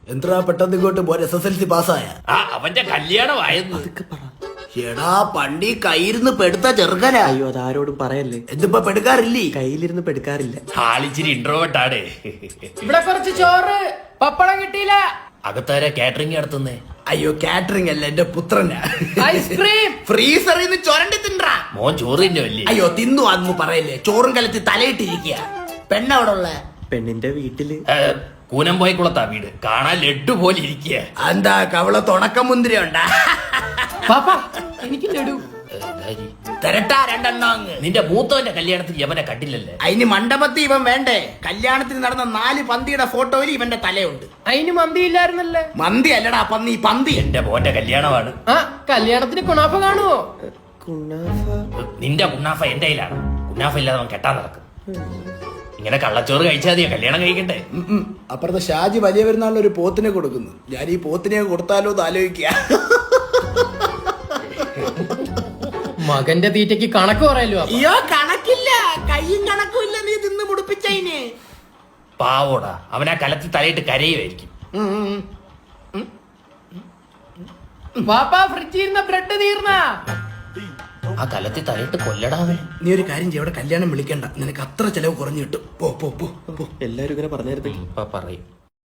എന്താ പെട്ടെന്ന് ഇങ്ങോട്ട് പോൻ SSLC പാസ്സായ? അവന്റെ കല്യാണമായിരുന്നു. എടാ പണ്ടി കയ്യിരുന്ന് പെടുത്ത ചെറുക്കനാ. അയ്യോ അതാരോടും പറയല്ലേ. എന്തിപ്പോ പെടുക്കാറില്ലേ? കയ്യിലിരുന്ന് പെടുക്കാറില്ല. ആളിച്ചിരി ഇൻട്രോവേർട്ടാണ്. ഇവിടെ കുറച്ച് ചോറ് പപ്പടം കിട്ടിയില്ല. അകത്താരെ കാറ്ററിംഗ് നടത്തുന്നേ? അയ്യോ കാറ്ററിംഗ് അല്ല, എന്റെ പുത്രനാ. ഐസ്ക്രീം ഫ്രീസറിൽ നിന്ന് ചൊരണ്ടി തിണ്ടാ. മോൻ ചോറ് തിന്നല്ലേ? അയ്യോ തിന്നു അതൊന്നും പറയല്ലേ. ചോറും കലത്തി തലയിട്ടിരിക്കുക. പെണ്ണവിടെ ഉള്ള? പെണ്ണിന്റെ വീട്ടില്. കൂനംപോയക്കുളത്താ വീട്. കാണാൻ ലഡ്ഡു പോലെ ഇരിക്കുക. എന്താ കവള തുണക്കം മുന്തിരി ഉണ്ടാ? പാപ്പ എനിക്ക് ലഡു തരട്ടാ രണ്ടെണ്ണം അങ്ങ്. നിന്റെ മൂത്തവന്റെ കല്യാണത്തിന് യവനെ കണ്ടില്ലല്ലേ? അതിന് മണ്ഡപത്തിൽ ഇവൻ വേണ്ടേ? കല്യാണത്തിന് നടന്ന 4 പന്തിയുടെ ഫോട്ടോയിൽ ഇവന്റെ തലയുണ്ട്. അതിന് മന്തി ഇല്ലായിരുന്നല്ലേ? മന്തി അല്ലടാ പന്നി, പന്തി. എന്റെ മോന്റെ കല്യാണമാണ്. കല്യാണത്തിന് കുണാഫ കാണുവോ? നിന്റെ കുന്നാഫ എന്റെ കയ്യിലാണ്. കുന്നാഫ ഇല്ലാതെ അവൻ കെട്ടാൻ നടക്കും. ഇങ്ങനെ കള്ളച്ചോറ് കഴിച്ചാൽ മതിയോ കല്യാണം കഴിക്കണ്ടേ? അപ്പുറത്തെ ഷാജി വലിയ പെരുന്നാളിന് ഒരു പോത്തിനെ കൊടുക്കുന്നു. ഞാൻ ഈ പോത്തിനെ കൊടുത്താലോ എന്ന് ആലോചിക്കുക. മകന്റെ തീറ്റയ്ക്ക് കണക്ക് പറയല്ലോ. അയ്യോ കണക്കില്ല, കയ്യും കണക്കും ഇല്ല. നീ തിന്ന് മുടിപ്പിച്ചതിന്. പാവോടാ, അവനാ കലത്തിൽ തലയിട്ട് കരയുമായിരിക്കും. പാപ്പ ഫ്രിഡ്ജിൽ ഇരുന്ന ബ്രെഡ് തീർന്ന. ആ കലത്തിൽ തലയിട്ട് കൊല്ലടാവേ. നീ ഒരു കാര്യം ചെയ്യ, അവിടെ കല്യാണം വിളിക്കണ്ട. നിനക്ക് അത്ര ചെലവ് കുറഞ്ഞു കിട്ടും. പോ പോ പോ. എല്ലാരും ഇങ്ങനെ പറഞ്ഞായിരുന്നു. ഇപ്പൊ പറയും.